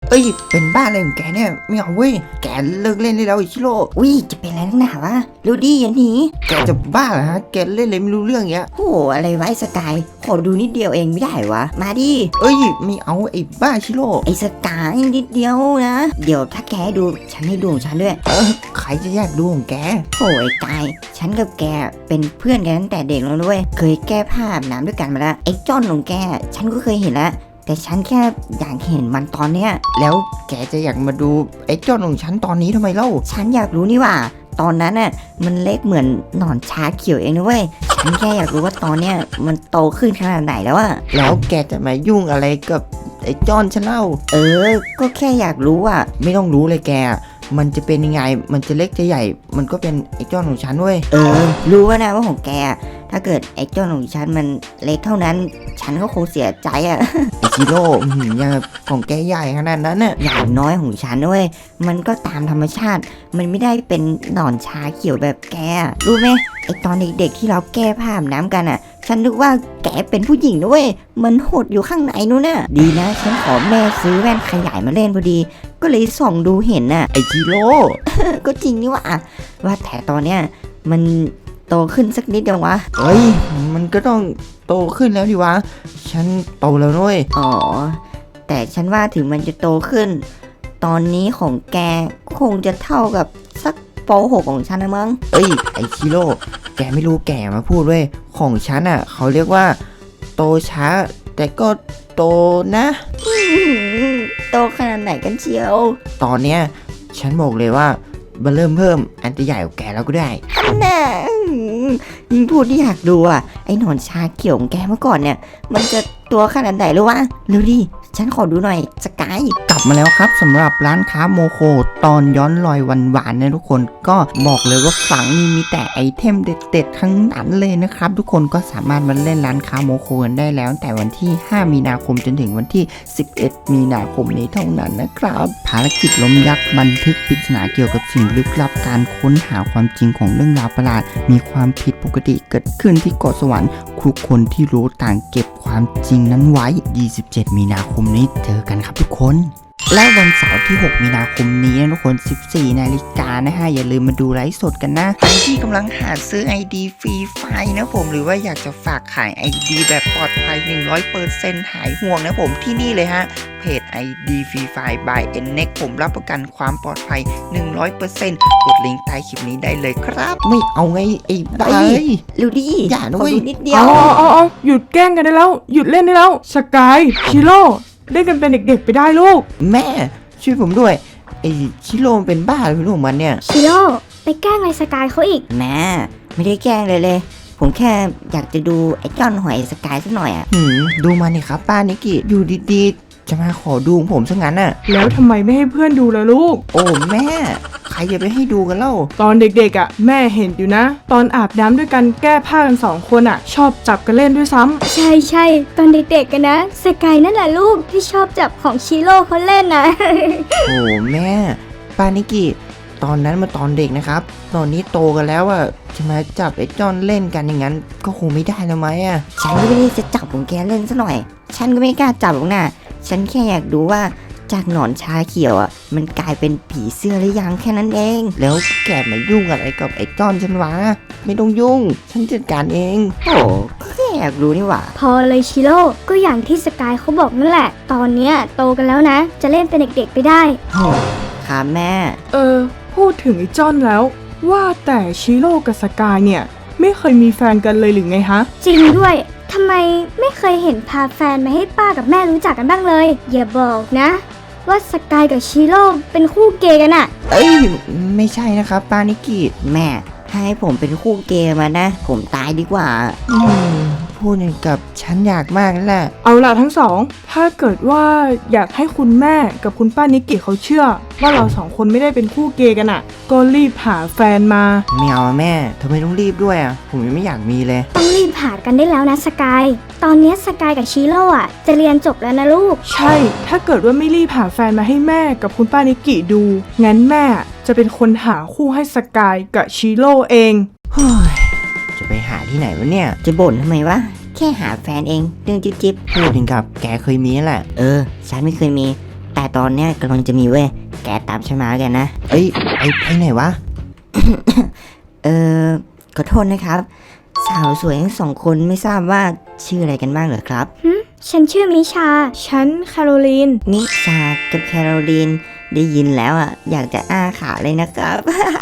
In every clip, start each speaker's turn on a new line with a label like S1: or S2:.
S1: เอ้ยเป็นบ้าอะไรของแกเนี่ยไม่เอาเว้ยแกเลิกเล่นได้แล้วอิชิโร่
S2: อุ้ยจะเป็นอะไรนักหนาวะรู้ดิอย่าหนี
S1: แกจะบ้าเหรอฮะแกเล่นอะไรไม่รู้เรื่องเงี้ย
S2: โอ้อะไรไว้สกายขอดูนิดเดียวเองไม่ได้วะมาดิ
S1: เอ้ยไม่เอาไอ้บ้าอิชิโร่
S2: ไอ้สกายนิดเดียวนะเดี๋ยวถ้าแกดูฉันให้ดูของฉันด้วย
S1: ใครจะอยากดูของแก
S2: โอ้ยกายฉันกับแกเป็นเพื่อนกันตั้งแต่เด็กแล้วด้วยเคยแก้ผ้าอาบน้ำด้วยกันมาแล้วไอ้จ้อนของแกฉันก็เคยเห็นแล้วแต่ฉันแค่อยากเห็นมันตอนเนี้ย
S1: แล้วแกจะอยากมาดูไอ้จ้อนของฉันตอนนี้ทำไมเล่า
S2: ฉันอยากรู้นี่ว่าตอนนั้นน่ะมันเล็กเหมือนหนอนชาเขียวเองนะเว้ยฉันแค่อยากรู้ว่าตอนเนี้ยมันโตขึ้นขนาดไหนแล้วอะ
S1: แล้วแกจะมายุ่งอะไรกับไอ้จ้อนฉันเล่า
S2: ก็แค่อยากรู้อะ
S1: ไม่ต้องรู้เลยแกมันจะเป็นยังไงมันจะเล็กจะใหญ่มันก็เป็นไอ้จ้อนของฉันเว้ย
S2: รู้ว่านะว่าของแกถ้าเกิดไอ้จ้อนของฉันมันเล็กเท่านั้นฉันก็คงเสียใจอะ
S1: ไอชิโร่ยังของแกใหญ่ขนาดนั้นน่ะ
S2: อย่างน้อยของฉันด้วยมันก็ตามธรรมชาติมันไม่ได้เป็นหนอนชาเขียวแบบแกรู้ไหมไอตอนเด็กๆที่เราแก้ผ้าอาบน้ำกันอ่ะฉันนึกว่าแกเป็นผู้หญิงด้วยมันหดอยู่ข้างในนู้นน่ะดีนะฉันขอแม่ซื้อแว่นขยายมาเล่นพอดีก็เลยส่องดูเห็นน่ะ
S1: ไอชิโร่
S2: ก็จริงนี่ว่าแต่ตอนเนี้ยมันโตขึ้นสักนิดเดียววะ
S1: เฮ้ยมันก็ต้องโตขึ้นแล้วดิวะฉันโตแล้วด้วย
S2: อ๋อแต่ฉันว่าถึงมันจะโตขึ้นตอนนี้ของแกคงจะเท่ากับสักป .6 ของฉันนะมั้ง
S1: เอ้ยไอชิโร่แกไม่รู้แกมาพูดเว้ยของฉันอ่ะเขาเรียกว่าโตช้าแต่ก็โตนะ
S2: โตขนาดไหนกันเชียว
S1: ตอนเนี้ยฉันบอกเลยว่ามันเริ่มเพิ่มอันจะใหญ่กว่าแกแล้วก็ได้
S2: น่ะยิ่งพูดที่อยากดูไอ้หนอนชาเขียวของแกเมื่อก่อนเนี่ยมันจะตัวขนาดไหนรู้วะเร็วดิฉันขอดูหน่อยสกาย
S1: กลับมาแล้วครับสำหรับร้านค้าโมโคตอนย้อนรอยหวานๆนะทุกคนก็บอกเลยว่าฝั่งนี้มีแต่ไอเทมเด็ดๆทั้งนั้นเลยนะครับทุกคนก็สามารถมาเล่นร้านค้าโมโคกันได้แล้วแต่วันที่5มีนาคมจนถึงวันที่11มีนาคมนี้เท่านั้นนะครับภารกิจล้มยักษ์บันทึกปริศนาเกี่ยวกับสิ่งลึกลับการค้นหาความจริงของเรื่องราวประหลาดมีความผิดปกติเกิดขึ้นที่เกาะสวรรค์ทุกคนที่รู้ต่างเก็บความจริงนั้นไว้27มีนาคมนี้เจอกันครับทุกคนและวันเสาร์ที่6มีนาคมนี้นะทุกคน14 นาฬิกานะฮะอย่าลืมมาดูไลฟ์สดกันนะใครที่กำลังหาซื้อ ID ฟรีไฟนะผมหรือว่าอยากจะฝากขาย ID แบบปลอดภัย 100% หายห่วงนะผมที่นี่เลยฮะเพจ ID Free Fire by NNEX ผมรับประกันความปลอดภัย 100% กดลิงก์ใต้คลิปนี้ได้เลยครับไม่เอาไงไอ้บ้า
S2: เร็วดิ
S1: อย่าด้วย
S2: นิดเดียว
S3: เอาหยุดแกล้งกันได้แล้วหยุดเล่นได้แล้วสกายชิโร่เล่นกันเป็นเด็กๆไปได้ลูก
S1: แม่ช่วยผมด้วยไอ้ชิโร่เป็นบ้าหรือลูกมันเนี่ย
S4: ชิโร่ไปแกล้งไอ้สกายเขาอีก
S2: แม่ไม่ได้แกล้งเลยผมแค่อยากจะดูไอ้จ้อนหอยสกายสักหน่อย
S1: ดูมานี่ครับป้านิกิอยู่ดีๆจะมาขอดูผมซะงั้นน่ะ
S3: แล้วทำไมไม่ให้เพื่อนดูล่ะลูก
S1: โอ้แม่ใครจะไปให้ดูกันเล่า
S3: ตอนเด็กๆแม่เห็นอยู่นะตอนอาบน้ำด้วยกันแก้ผ้ากัน2 คนชอบจับกันเล่นด้วยซ้
S4: ำใช่ตอนเด็กๆกันนะสกายนั่นแหละลูกที่ชอบจับของชิโร่เขาเล่นนะ
S1: โอ้แม่ป้านิกิตอนนั้นมาตอนเด็กนะครับตอนนี้โตกันแล้วจะมาจับไอ้จอนเล่นกันอย่างนั้นก็คงไม่ได้แล้วไหม
S2: ฉันก็ไม่ได้จะจับของแกเล่นซะหน่อยฉันก็ไม่กล้าจับหรอกนะฉันแค่อยากดูว่าจากหนอนชาเขียวมันกลายเป็นผีเสื้อหรือยังแค่นั้นเอง
S1: แล้วแกมายุ่งอะไรกับไอ้จอนฉันวะไม่ต้องยุ่งฉันจัดการเอง
S2: โอ้แค่อยากรู้นี่หว่า
S4: พอเลยชิโร่ก็อย่างที่สกายเขาบอกนั่นแหละตอนเนี้ยโตกันแล้วนะจะเล่นเป็นเด็กๆไปได้
S2: ค่ะแม่
S3: พูดถึงไอ้จ้อนแล้วว่าแต่ชิโร่กับสกายเนี่ยไม่เคยมีแฟนกันเลยหรือไงฮะ
S4: จริงด้วยทำไมไม่เคยเห็นพาแฟนมาให้ป้ากับแม่รู้จักกันบ้างเลยอย่าบอกนะว่าสกายกับชิโร่เป็นคู่เกย์กัน
S1: ไม่ใช่นะครับป้านิกิ
S2: แม่ถ้าให้ผมเป็นคู่เกย์มานะผมตายดีกว่า
S1: พูดกับฉันอยากมากนั่นแหละ
S3: เอาล่ะทั้งสองถ้าเกิดว่าอยากให้คุณแม่กับคุณป้านิกิเขาเชื่อว่าเรา2 คนไม่ได้เป็นคู่เกย์กันก็รีบหาแฟนมา
S1: ไม่เอาแม่ทำไมต้องรีบด้วยผมยังไม่อยากมีเลย
S4: ต้องรีบหากันได้แล้วนะสกายตอนนี้สกายกับชิโร่จะเรียนจบแล้วนะลูก
S3: ใช่ถ้าเกิดว่าไม่รีบหาแฟนมาให้แม่กับคุณป้านิกิดูงั้นแม่จะเป็นคนหาคู่ให้สกายกับชิโร่เอง
S1: จะไปหาที่ไหนวะเนี่ย
S2: จะบ่นทำไมวะแค่หาแฟนเองเรื่องจิ๊บ
S1: พูดถึงกับแกเคยมีแหละ
S2: ฉันไม่เคยมีแแต่ตอนเนี้ยกำลังจะมีเว้ยแกตามฉันมาแล้วกันนะ
S1: เอ้ยไปไหนวะ
S2: เออขอโทษนะครับ สาวสวยทั้งสองคนไม่ทราบว่าชื่ออะไรกันบ้างเหรอครับ
S4: ฉันชื่อมิชา
S3: ฉันแคโรลีน
S2: นิชากับแคโรลีนได้ยินแล้วอ่ะอยากจะอ้าขาเลยนะครับ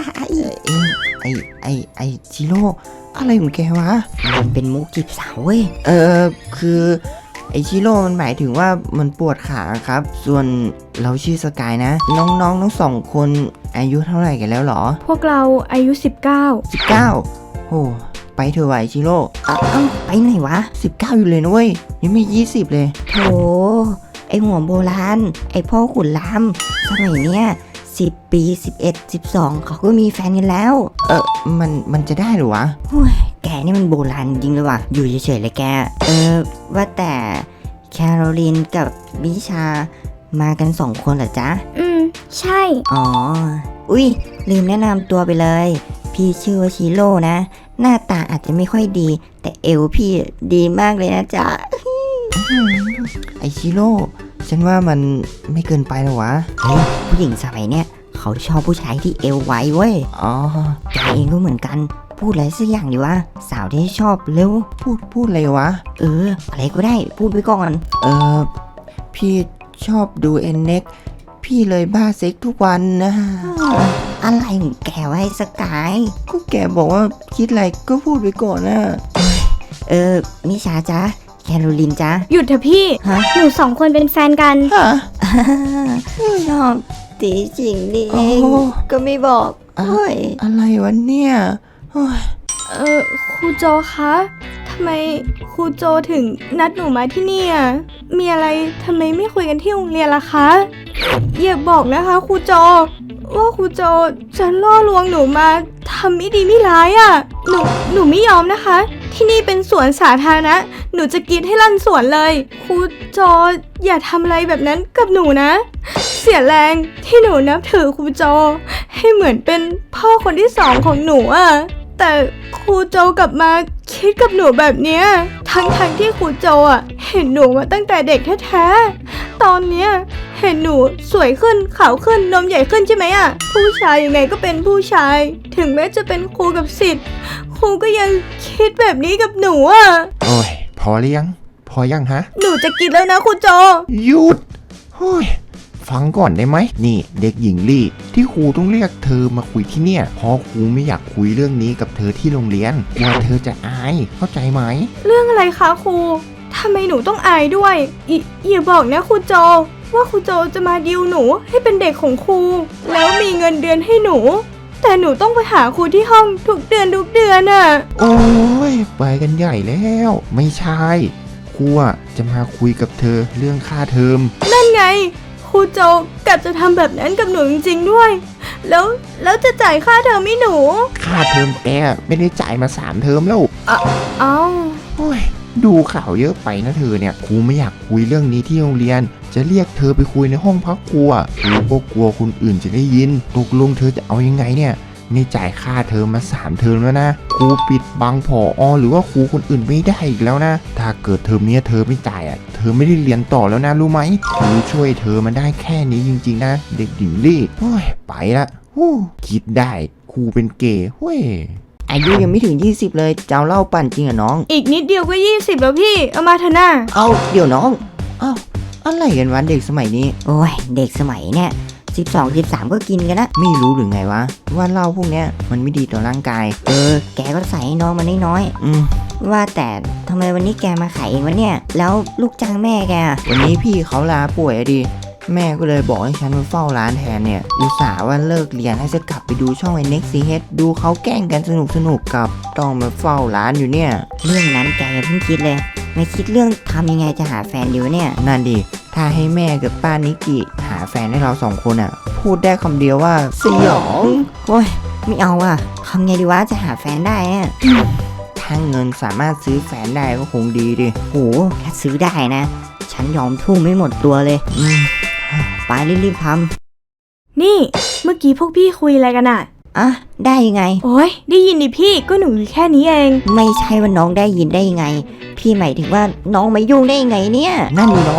S1: ไอจิโร่อะไรของแกวะ
S2: มันเป็นมุกจีบสาวเว้ย
S1: คือไอจิโร่มันหมายถึงว่ามันปวดขาครับ ส่วนเราชื่อสกายนะ น้องทั้งสองคนอายุเท่าไหร่กันแล้วหรอ
S3: พวกเราอายุ
S1: 19โอ้ไปเถอะวะไอจิโร่
S2: เอ้าไปไหนวะ
S1: 19อยู่เลยนะเว้ยยังไม่20เลย
S2: โถไอหัวโบราณ ไอพ่อขุนรามสมัยเนี้ย10 ปี 11 12 เขาก็มีแฟนกันแล้ว
S1: มันจะได้หรือวะ
S2: โอ้ยแกนี่มันโบราณจริงเลยว่ะ อยู่เฉยๆเลยแก ว่าแต่แคโรลีนกับมิชามากัน2 คนเหรอจ๊ะ
S4: ใช่
S2: อ๋อ อุ้ยลืมแนะนำตัวไปเลย พี่ชื่อว่าชิโร่นะ หน้าตาอาจจะไม่ค่อยดี แต่เอวพี่ดีมากเลยนะจ๊ะ
S1: ไอจิโร่ฉันว่ามันไม่เกินไปหรอวะ
S2: เฮ้ยผู้หญิงสมัยเนี้ยเขาชอบผู้ชายที่เอวไวเว้ย
S1: อ๋อ
S2: แกเองก็เหมือนกัน พูดอะไรสักอย่างดีวะ สาวที่ชอบเร็ว
S1: พูดอะไรวะ
S2: อะไรก็ได้ พูดไปก่อน
S1: พี่ชอบดูเอ็นเน็กพี่เลยบ้าเซ็กทุกวันนะ
S2: อะไรของแกไว้สกาย
S1: ก็แกบอกว่าคิดอะไรก็พูดไปก่อนนะ
S2: มิชาจ๊ะ แคโรลีนจ๊ะ
S3: 19 หยุดเถอะพี่
S2: ฮะ
S4: หนู2 คนเป็นแฟนกัน
S1: ฮะ
S2: ชอบตีจริงนี่เอง
S1: โอ้
S2: ก็ไม่บอกเฮ้ย
S1: อะไรวะเนี่ยโอ้ย
S3: ครูโจคะทำไมครูโจถึงนัดหนูมาที่นี่อ่ะมีอะไรทำไมไม่คุยกันที่โรงเรียนล่ะคะอย่าบอกนะคะครูโจว่าครูโจจะล่อลวงหนูมาทำไม่ดีไม่ร้ายอ่ะหนูไม่ยอมนะคะ ที่นี่เป็นสวนสาธารณะหนูจะกรีดให้ลั่นสวนเลยครูโจอย่าทำอะไรแบบนั้นกับหนูนะ เสียแรงที่หนูนับถือครูโจให้เหมือนเป็นพ่อคนที่2ของหนูอ่ะแต่ครูโจกลับมาคิดกับหนูแบบเนี้ยทั้งที่ครูโจอ่ะเห็นหนูมาตั้งแต่เด็กแท้ๆตอนเนี้ยเห็นหนูสวยขึ้นขาวขึ้นนมใหญ่ขึ้นใช่ไหมอ่ะผู้ชายยังไงก็เป็นผู้ชาย ถึงแม้จะเป็นครูกับศิษย์ครูก็ยังคิดแบบนี้กับหนูอ่ะ
S5: โอ้ยพอหรือยัง พอยังฮะ
S3: หนูจะกินแล้วนะครูโจ
S5: หยุดโอ้ยฟังก่อนได้ไหมนี่เด็กหญิงลี่ที่ครูต้องเรียกเธอมาคุยที่เนี่ยเพราะครูไม่อยากคุยเรื่องนี้กับเธอที่โรงเรียนกลัวเธอจะอายเข้าใจไหม
S3: เรื่องอะไรคะครูทำไมหนูต้องอายด้วยอย่าบอกนะครูโจว่าครูโจจะมาดิวหนูให้เป็นเด็กของครูแล้วมีเงินเดือนให้หนู แต่หนูต้องไปหาครูที่ห้องทุกเดือนน่ะ
S5: โอ้ยไปกันใหญ่แล้ว ไม่ใช่ครูอะจะมาคุยกับเธอเรื่องค่าเทอม
S3: นั่นไงครูโจกลับจะทำแบบนั้นกับหนูจริงๆด้วย แล้วจะจ่ายค่าเทอมให้หนู
S5: ค่าเทอมแกไม่ได้จ่ายมา3 เทอมแล้ว
S3: เอ้า
S5: โอ้ยดูข่าวเยอะไปนะเธอเนี่ยครูไม่อยากคุยเรื่องนี้ที่โรงเรียน จะเรียกเธอไปคุยในห้องพักครูอะครูก็กลัวคนอื่นจะได้ยินตกลงเธอจะเอายังไงเนี่ยไม่จ่ายค่าเทอมมา3 เทอมแล้วนะครูปิดบังผอหรือว่าครูคนอื่นไม่ได้อีกแล้วนะถ้าเกิดเทอมนี้เธอไม่จ่ายอ่ะเธอไม่ได้เรียนต่อแล้วนะรู้ไหมครูช่วยเธอมาได้แค่นี้จริงๆนะเด็กหญิงลี่โอ้ยไปละฮู้คิดได้ครูเป็นเกย์เว้ย
S1: อายุยังไม่ถึง20เลยจะเอาเหล้าปั่นจริงเหรอน้อง
S3: อีกนิดเดียวก็20แล้วพี่เอามาเถอะนะ
S1: เอ้าเดี๋ยวน้องเอ้าอะไรกันวะเด็กสมัยนี้
S2: โอ้ย เด็กสมัยเนี่ย12 13 ก็กินกันนะ
S1: ไม่รู้หรือไงวะว่าเหล้าพวกเนี้ยมันไม่ดีต่อร่างกาย
S2: แกก็ใส่ให้น้องมันน้อย
S1: อืม
S2: ๆว่าแต่ทำไมวันนี้แกมาขายเองวะเนี่ย แล้วลูกจ้างแม่แกอะ
S1: วันนี้พี่เขาลาป่วยอะดิแม่ก็เลยบอกให้ฉันมาเฝ้าร้านแทนเนี่ยอุตส่าห์ว่าเลิกเรียนให้จะกลับไปดูช่องไอ้ Next CH ดูเขาแกล้งกันสนุกกับต้องมาเฝ้าร้านอยู่เนี่ย
S2: เรื่องนั้นแกอย่าเพิ่งคิดเลย ไม่คิดเรื่องทำยังไงจะหาแฟนดีวะเนี่ย
S1: นั่นดิถ้าให้แม่กับป้านิกิหาแฟนให้เรา2 คนอ่ะ พูดได้คำเดียวว่าสยอง
S2: โอ้ย ไม่เอาอ่ะทำไงดีวะจะหาแฟนได้อะ
S1: ถ้าเงินสามารถซื้อแฟนได้ก็คงดีดิ
S2: โหถ้าซื้อได้นะ ฉันยอมทุ่มไม่หมดตัวเลย ไปรีบๆท
S3: นี่เมื่อกี้พวกพี่คุยอะไรกันอะ
S2: ำอ่ะ ได้ยังไง
S3: โอ้ยได้ยินดิพี่ก็หนูอยู่แค่นี้เอง
S2: ไม่ใช่ว่าน้องได้ยินได้ยังไง พี่หมายถึงว่าน้องมายุ่งได้ยังไงเนี่ย
S1: นั่นนี่น้อง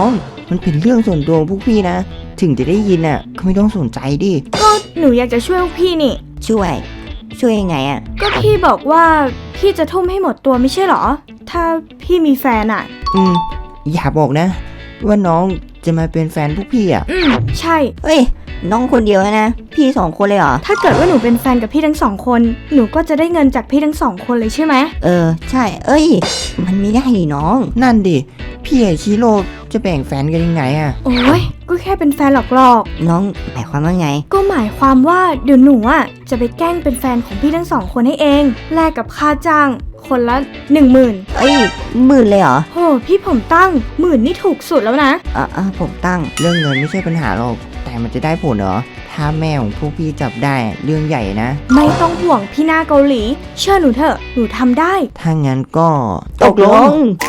S1: มันเป็นเรื่องส่วนตัวของพวกพี่นะ ถึงจะได้ยินอ่ะก็ไม่ต้องสนใจดิ
S3: ก็หนูอยากจะช่วยพวกพี่นี่
S2: ช่วยยังไงอะ
S3: ก็พี่บอกว่าพี่จะทุ่มให้หมดตัวไม่ใช่เหรอ ถ้าพี่มีแฟนอ่ะ
S1: อย่าบอกนะ ว่าน้องจะมาเป็นแฟนพวกพี่อ่ะ
S3: ใช่
S2: เฮ้ยน้องคนเดียวนะพี่2 คนเลยเหรอ
S3: ถ้าเกิดว่าหนูเป็นแฟนกับพี่ทั้ง2 คน หนูก็จะได้เงินจากพี่ทั้ง2 คนเลยใช่ไหม
S2: ใช่เอ้ย มันไม่ได้นี่น้อง
S1: นั่นดิ พี่กับชิโร่จะแบ่งแฟนกันยังไงอ่ะ
S3: โอ้ยก็แค่เป็นแฟนหลอก
S2: น้องหมายความว่าไง
S3: ๆก็หมายความว่าเดี๋ยวหนูอ่ะจะไปแกล้งเป็นแฟนของพี่ทั้ง2 คนให้เองแลกกับค่าจ้าง คนละ 10,000
S2: เอ้ย10,000เลยเหรอ
S3: โหพี่ผมตั้ง10,000นี่ถูกสุดแล้วนะ
S2: ผมตั้ง
S1: เรื่องเงินไม่ใช่ปัญหาหรอก แต่มันจะได้ผลเหรอ ถ้าแม่ของพวกพี่จับได้เรื่องใหญ่นะ
S3: ไม่ต้องห่วงพี่หน้าเกาหลี เชื่อหนูเถอะหนูทำได้
S1: ถ้างั้นก็
S2: ตกลง